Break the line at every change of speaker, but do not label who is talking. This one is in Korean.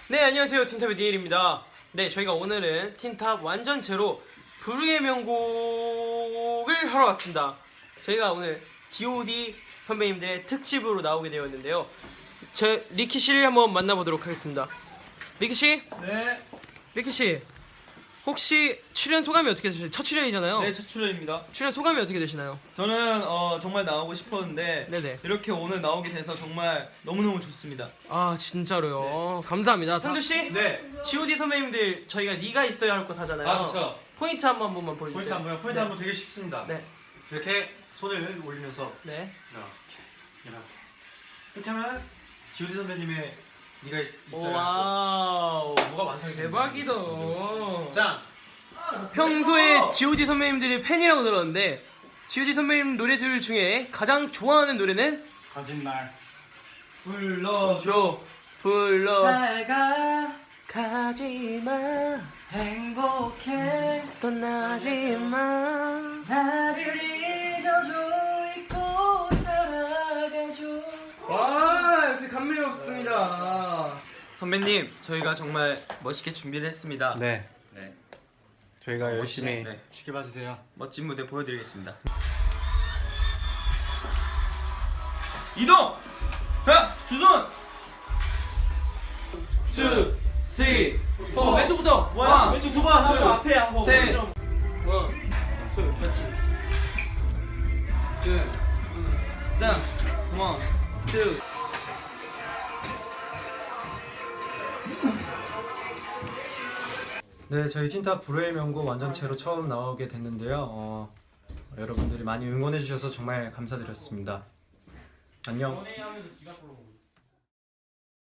네, 안녕하세요. 틴탑의 니엘입니다. 네, 저희가 오늘은 틴탑 완전체로 불후의 명곡을 하러 왔습니다. 저희가 오늘 G.O.D 선배님들의 특집으로 나오게 되었는데요. 제 리키 씨를 한번 만나보도록 하겠습니다. 리키 씨?
네.
리키 씨, 혹시 출연 소감이 어떻게 되시나요? 첫 출연이잖아요.
네, 첫 출연입니다.
출연 소감이 어떻게 되시나요?
저는 정말 나오고 싶었는데
네네.
이렇게 오늘 나오게 돼서 정말 너무너무 좋습니다.
아, 진짜로요. 감사합니다. 상주 씨?
네.
G.O.D 선배님들 저희가 네가 있어야 할 것 하잖아요.
아, 그렇죠.
포인트 한 번만 보여주세요.
포인트 한 번, 포인트
네.
한 번 되게 쉽습니다.
네.
이렇게 손을 올리면서
네.
이렇게 하면 G.O.D 선배님의 네가 있어야
와우.
뭐가 완성이 됩니다.
대박이다.
짱.
평소에 G.O.D 선배님들이 팬이라고 들었는데 G.O.D 선배님 노래들 중에 가장 좋아하는 노래는
거짓말.
불러줘.
불러
잘가
가지마
행복해
떠나지마.
나를 잊어줘 잊고 살아가줘.
와, 역시 감미롭습니다.
선배님, 저희가 정말 멋있게 준비를 했습니다.
네.
네.
저희가 열심히
네.
지켜봐 주세요.
멋진 무대 보여드리겠습니다. 이동! 자, 두 손! 2, 3, 4 왼쪽부터! 왼쪽 두 번 하고 앞에 하고 셋!
원, 투, 그렇지.
둘, 땅! 원, 투!
네, 저희 틴탑 불후의 명곡 완전체로 처음 나오게 됐는데요. 여러분들이 많이 응원해 주셔서 정말 감사드렸습니다. 안녕.
연애하면서 지갑 보러